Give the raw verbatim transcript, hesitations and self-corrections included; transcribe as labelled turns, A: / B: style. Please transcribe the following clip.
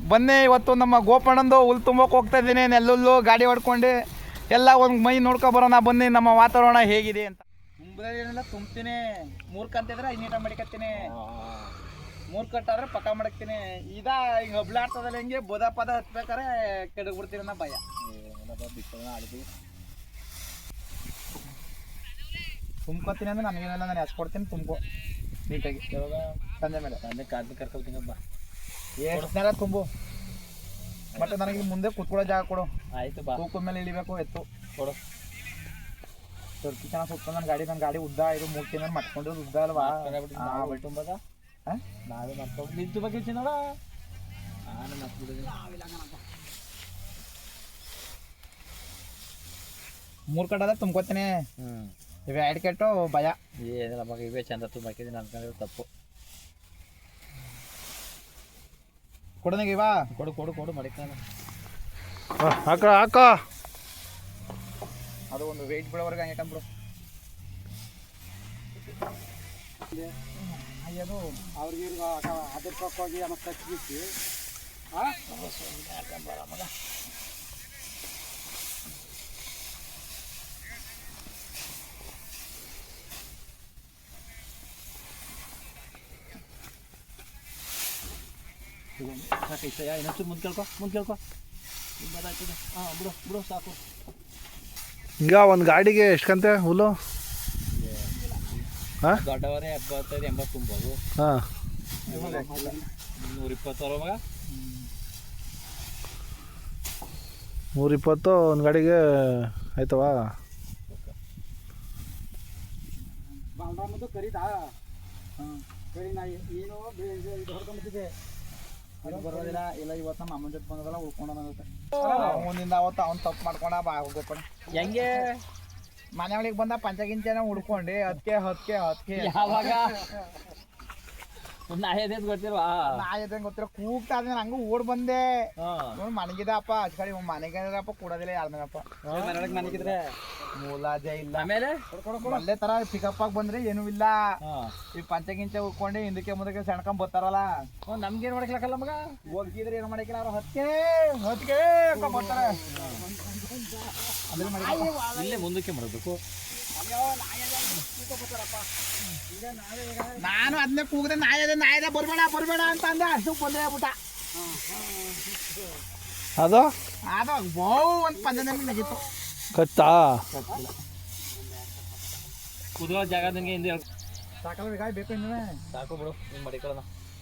A: ಬನ್ನಿ ಇವತ್ತು ನಮ್ಮ ಗೋಪಣ್ಣಂದು ಹುಲ್ ತುಂಬೋಕೆ ಹೋಗ್ತಾ ಇದ್ದೀನಿ. ನೆಲ್ಲುಲ್ಲು ಗಾಡಿ ಹೊಡ್ಕೊಂಡು ಎಲ್ಲ ಒಂದು ಮೈ ನೋಡ್ಕೊ ಬರೋಣ ಬನ್ನಿ ನಮ್ಮ ವಾತಾವರಣ ಹೇಗಿದೆ ಅಂತ. ತುಂಬದೇನಿಲ್ಲ ತುಂಬ್ತೀನಿ. ಮೂರು ಕಂತಿದ್ರೆ ಐನೀಟ ಮಡಿಕತ್ತೀನಿ, ಮೂರು ಕಟ್ಟಾದ್ರೆ ಪಕ್ಕ ಮಡಕ್ತೀನಿ. ಇದ ಈಗ ಹಬ್ಲಾಡ್ತದಲ್ಲ ಹಿಂಗೆ ಬೋದ ಪದ ಹತ್ಬೇಕಾರೆ ಕೆಡಗ್ಬಿಡ್ತೀನಿ ಅನ್ನೋ ಭಯ. ತುಂಬ್ಕೊತೀನಿ ಅಂದ್ರೆ ನನಗೇನೆಲ್ಲ ನಾನು ಹಚ್ಕೊಡ್ತೀನಿ. ತುಂಬ್ಕೊ ನೀಟಾಗಿ ಸಂಜೆ ಮೇಲೆ ಸಂಜೆ ಕಾದ್ಲಿ ಕರ್ಕೊಳ್ತೀನಪ್ಪ. ಎಷ್ಟು ನೆಲ ತುಂಬು, ಮತ್ತೆ ನನಗೆ ಮುಂದೆ ಕುತ್ಕೊಳ್ಳೋ ಜಾಗ ಕೊಡು. ಆಯ್ತು ಬಾ. ತೂಕದ ಮೇಲೆ ಇಳಿಬೇಕು ಎತ್ತು ಕೊಡು. ಸ್ವಲ್ಪ ಚೆನ್ನಾಗಿ ಸುತ್ತ ನನ್ನ ಗಾಡಿ ನನ್ನ ಗಾಡಿ ಉದ್ದ ಇದು ಮೂರ್ತಿ ನಾನು ಮಟ್ಕೊಂಡಿರೋದು ಉದ್ದ ಅಲ್ವಾ? ತುಂಬದ ನಾವೇ ಮಾಡ್ಕೊಂಡು ನಿಂತು ಬಗ್ಗೆ ನೋಡ ನಾನು ಮಟ್ಬಿಡಿದ್ದೀನಿ. ಮೂರು ಕಟ್ಟದ ತುಂಬ್ಕೊತೀನಿ. ಹ್ಞೂ ಇವೆ ಎರಡು ಕೆಟ್ಟು ಭಯ ಏನಿಲ್ಲ ಮಗ. ಇವೇ ಚಂದ ತುಂಬಾಕಿದ್ದೀನಿ ಅನ್ಕೊಂಡಿರೋ ತಪ್ಪು. ಕೊಡನಿಗೆ ಇವಾ ಕೊಡು ಕೊಡು ಕೊಡು ಮಡಿಕ ಹಾಕ ಹಾಕ. ಅದು ಒಂದು ವೆಯ್ಟ್ ಬಿಡೋವರೆಗೆ ಹಂಗೆ ಕಂಬ್ರು. ಅದು ಅವ್ರಿಗೆ ಅದ್ರ ಪಕ್ಕೋಗಿ ಆಮೇಲೆ ತಚ್ಚಿಸಿ ಮಗ. ಸಾಕೈತಯ್ಯ, ಇನ್ನೊಂಚು ಮುಂದೆ ಕೇಳ್ಕೊ ಮುಂದೆ ಕೇಳ್ಕೊ. ನಿಮ್ಮದಾಗ್ತದೆ. ಹಾಂ ಬಿಡು ಬಿಡು ಸಾಕು.
B: ಈಗ ಒಂದು ಗಾಡಿಗೆ ಎಷ್ಟು ಕಂತೆ ಹುಲ್ಲು? ಹಾಂ
A: ದೊಡ್ಡವರೇ ಎಪ್ಪತ್ತೈದು ಎಂಬತ್ತು ತುಂಬೋದು.
B: ಹಾಂ
A: ನೂರ ಇಪ್ಪತ್ತು ಮಗ.
B: ನೂರಿಪ್ಪತ್ತು ಒಂದು ಗಾಡಿಗೆ ಆಯ್ತವಾ?
A: ಬಾಲ್ರಾಮದು ಕರೀದಾ? ಹಾಂ ಕರಿ. ನಾ ಏನು ಹೊಡ್ಕೊಂಬಿಟ್ಟಿದ್ದೆ. ಅದು ಬರೋದಿಲ್ಲ ಇಲ್ಲ. ಇವತ್ತು ನಮ್ಮ ಅಮ್ಮನ ಜೊತೆ ಬಂದದಲ್ಲ ಉಳ್ಕೊಂಡೋಗುತ್ತೆ. ಅವನಿಂದ ಅವತ್ತು ಅವ್ನು ತಪ್ಪು ಮಾಡ್ಕೊಂಡ ಬಾ ಹೋಗೋಣ. ಹೆಂಗೆ ಮನೆ ಒಳಗೆ ಬಂದ ಪಂಚಗಿಂಚನ ಹುಡ್ಕೊಂಡು ಅದಕ್ಕೆ ಹತ್ಕೆ ಹತ್ಕೆ ಯಾವಾಗ ನಾಯದೇನು ಗೊತ್ತಿಲ್ವಾ? ನಾಯದೇನು ಗೊತ್ತಿಲ್ಲ. ಕೂಗ್ತಾ ಇದ್ದೀನಿ ಹಂಗೆ ಓಡ್ ಬಂದೆ. ನೋಡಿ ಮನೆಗಿದಪ್ಪ ಅಚ್ ಕಡೆ ಮನೆಗಿದ್ರಪ್ಪ ಕೊಡೋದಿಲ್ಲ ಯಾರ್ನಪ್ಪ ಮನೆಯೊಳಗೆ. ಮನೆಗಿದ್ರೆ ಮೂಲಾಜೆ ಇಲ್ಲ. ಆಮೇಲೆ ಅಲ್ಲೇ ತರ ಪಿಕಪ್ ಆಗಿ ಬಂದ್ರೆ ಏನೂ ಇಲ್ಲ. ಈ ಪಂಚಗಿಂಚ ಉಳ್ಕೊಂಡು ಹಿಂದಕ್ಕೆ ಮುಂದಕ್ಕೆ ಸಣ್ಕೊಂಡ್ ಬರ್ತಾರಲ್ಲ. ನಮ್ಗೇನು ಮಾಡಕ್ಲಕ್ಕಲ್ಲ ಮಗ. ಹೋಗಿದ್ರೆ ಏನು ಮಾಡಕ್ಕಿಲ್ಲ. ಅವ್ರು ಹತ್ಕೆ ಹತ್ಕೆ ಬರ್ತಾರೆ. ಇಲ್ಲೇ ಮುಂದಕ್ಕೆ ಮಾಡಬೇಕು. ನಾನು ಅದನ್ನೇ ಕೂಗದೆ ನಾಯದ ನಾಯದ ಬರ್ಬೇಡ ಬರ್ಬೇಡ ಅಂತ ಅಂದೆ. ಅಷ್ಟು ಬಂದ್ರೆ ಬಿಟ್ಟ.
B: ಅದು
A: ಅದು ಬೌ ಒಂದು ಪಂಚದಲ್ಲಿ ನಗಿತ್ತು.
B: ಕಚ್ಚಾ
A: ಕುದುರೋ ಜಾಗ ನಿನಗೆ ಹಿಂದೆ ಸಾಕಲ್ಲ ಬೇಕಾಗಿ ಬೇಕು ಇನ್ನೂ ಸಾಕು ಬಿಡು. ನೀನು ಮಡಿಕೊಳ್ಳೋಣ.